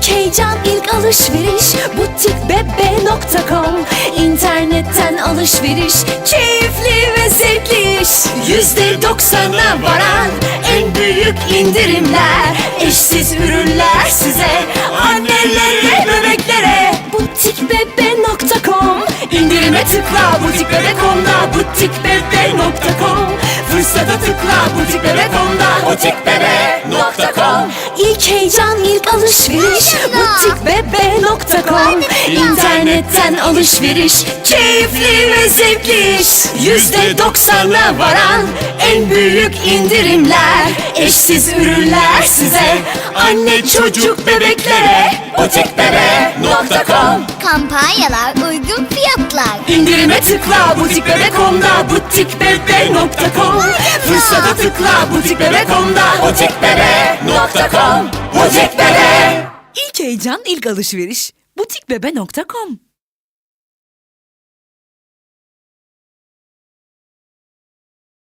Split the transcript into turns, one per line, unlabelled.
İlk heyecan, ilk alışveriş butikbebe.com. İnternetten alışveriş keyifli ve zevkli iş. %90'a varan en büyük indirimler, eşsiz ürünler size, annelere, bebeklere. butikbebe.com. İndirime tıkla butikbebe.com'da, butikbebe.com. Fırsata tıkla butikbebe.com'da, butikbebe.com. İlk heyecan, ilk alışveriş butikbebe.com. İnternetten alışveriş keyifli ve zevkli iş. %90'a varan en büyük indirimler, eşsiz ürünler size, anne, çocuk, bebeklere. butikbebe.com.
Kampanyalar, uygun fiyatlar.
İndirime tıkla butikbebe.com'da, butikbebe.com. Fırsata tıkla butikbebe.com'da, butikbebe.com. Butikbebe. İlk heyecan, ilk alışveriş butikbebe.com.